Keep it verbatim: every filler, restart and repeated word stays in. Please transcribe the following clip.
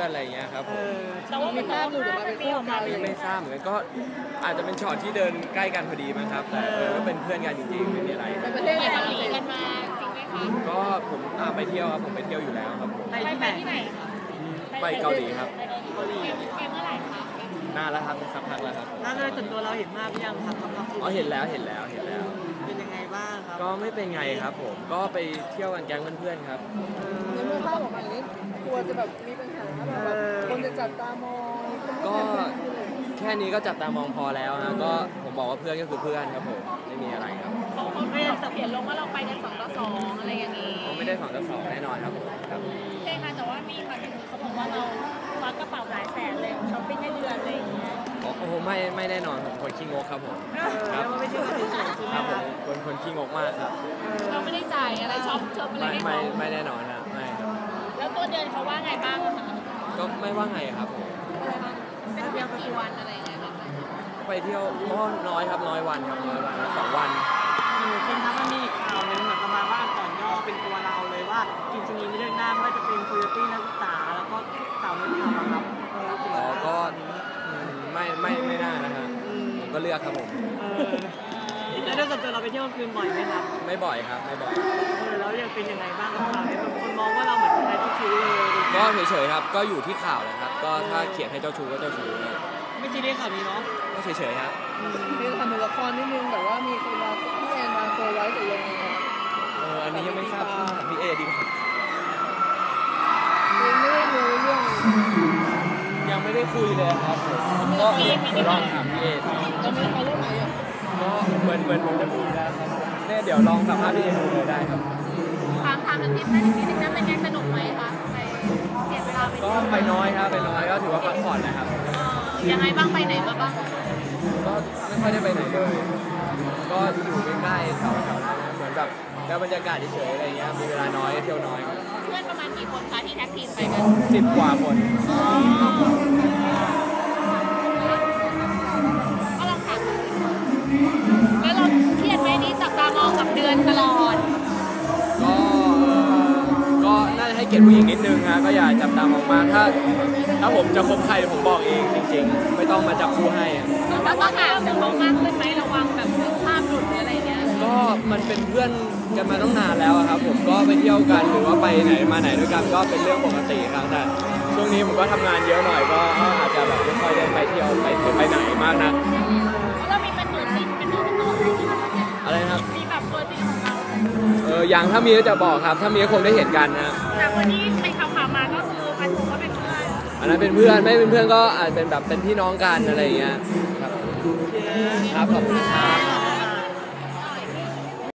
พื่อนอะไรเงี้ยครับผมแต่ว่ามีภาพหลุดออกมาเป็นคู่กันไม่ทราบเหมือนกันก็อาจจะเป็นช็อตที่เดินใกล้กันพอดีมั้งครับแต่ก็เป็นเพื่อนกันจริงๆไม่มีอะไรไปประเทศไหนกันมาจริงไหมคะก็ผมไปเที่ยวครับผมไปเที่ยวอยู่แล้วครับไปที่ไหนไปเกาหลีครับเกาหลีเมื่อไหร่คะนานแล้วครับสักพักแล้วครับแล้วโดยส่วนตัวเราเห็นภาพยังครับอ๋อเห็นแล้วเห็นแล้วเห็นแล้วเป็นยังไงบ้างครับก็ไม่เป็นไงครับผมก็ไปเที่ยวกันแก๊งเพื่อนๆครับในเมื่อภาพออกมาอย่างนี้กลัวจะแบบมีปัญหาแบบคนจะจับตามองก็แค่นี้ก็จับตามองพอแล้วนะก็ผมบอกว่าเพื่อนก็คือเพื่อนครับผมไม่มีอะไรครับเขาเขาไม่ได้เขียนลงว่าเราไปกันสองต่อสองอะไรอย่างนี้เขาไม่ได้สองต่อสองแน่นอนครับผมครับใช่ค่ะแต่ว่ามีข่าวที่เขาบอกว่าเราควักกระเป๋าหลายแสนเลยช้อปปิ้งในเดือนอะไรอย่างเงี้ยโอ้โหไม่ไม่แน่นอนผมคนขี้งกครับผมครับไม่ใช่คนที่สองใช่ไหมครับคนคนขี้งกมากครับเราไม่ได้จ่ายอะไรช็อปช็อปอะไรให้เขาไม่ไม่แน่นอนนะไม่ครับแล้วตัวเดือนเขาว่าไงบ้างคะก็ไม่ว่าไงครับผมเป็นเที่ยวกี่วันอะไรเงี้ยไปเที่ยวก็น้อยครับน้อยวันครับน้อยวันสองวันจริงครับมันมีข่าวหนึ่งเหมือนประมาณว่าอักษรย่อเป็นตัวเราเลยว่าจริงๆไม่เลือกหน้าว่าจะเป็นโคโยตี้นักศึกษาแล้วก็สาวนุ่นทำครับอ๋อก็ไม่ไม่ไม่น่านะครับผมก็เลือกครับผมแล้วโดยส่วนตัวเราไปเที่ยวกลางคืนบ่อยไหมครับไม่บ่อยครับไม่บ่อยแล้วยังเป็นยังไงบ้างกับข่าวนี้บางคนมองว่าเราเหมือนเป็นเจ้าชู้เลยก็เฉยๆครับก็อยู่ที่ข่าวเลยครับก็ถ้าเขียนให้เจ้าชู้ก็เจ้าชู้ไม่ซีเรียสข่าวนี้เนาะก็เฉยๆครับคือทำเป็นละครนิดนึงแต่ว่ามีคนมาพี่แอนมาตัวไว้ตัวลงเอออันนี้ยังไม่ทราบพี่เอดีกว่ายังไม่ได้รู้เรื่องยังไม่ได้คุยเลยครับก็ลองถามพี่เอจะมีใครเล่นไหมอ่ะก็เหมือนเหมือนผมจะมีแล้วครับเนี่ยเดี๋ยวลองสัมภาษณ์พี่เอดูเลยได้ครับถามถามกันนิดนึงนิดนึงนะเป็นไงสนุกไหมคะไปเสียเวลาไปก็ไปน้อยครับไปน้อยก็ถือว่าพักผ่อนนะครับยังไงบ้างไปไหนมาบ้างก็ไม่ค่อยได้ไปไหนเลยก็อยู่ใกล้ๆแถวๆนั้นเหมือนแบบแล้วบรรยากาศเฉยๆอะไรเงี้ยมีเวลาน้อยเที่ยวน้อยเพื่อนประมาณกี่คนคะที่แท็กทีมไปกันสิบกว่าคนก็ลองถามแล้วเราเครียดไหมนี่จับตามองกับเดือนตลอดก็ก็น่าจะให้เกียรติผู้หญิงนิดนึงนะก็อย่าจับตามองมากถ้าถ้าผมจะคบใครผมบอกเองจริงๆไม่ต้องมาจับคู่ให้แล้วก็ถามจะมองมากขึ้นไหมระวังแบบภาพหลุดหรืออะไรเงี้ยก็มันเป็นเพื่อนกันมาตั้งนานแล้วครับผมก็ไปเที่ยวกันหรือว่าไปไหนมาไหนด้วยกันก็เป็นเรื่องปกติครับแต่ช่วงนี้ผมก็ทำงานเยอะหน่อยก็อาจจะแบบไม่ค่อยได้ไปเที่ยวไปไปไหนมากนักเรามีเป็นตัวจริงเป็นตัวตนอะไรครับมีแบบตัวจริงของเราเอออย่างถ้ามีก็จะบอกครับถ้ามีก็คงได้เห็นกันนะแต่วันนี้ไปข่าวๆมาก็คือพันธุ์ก็เป็นเพื่อนอันนั้นเป็นเพื่อนไม่เป็นเพื่อนก็อาจเป็นแบบเป็นพี่น้องกันอะไรอย่างเงี้ยครับครับขอบคุณครับ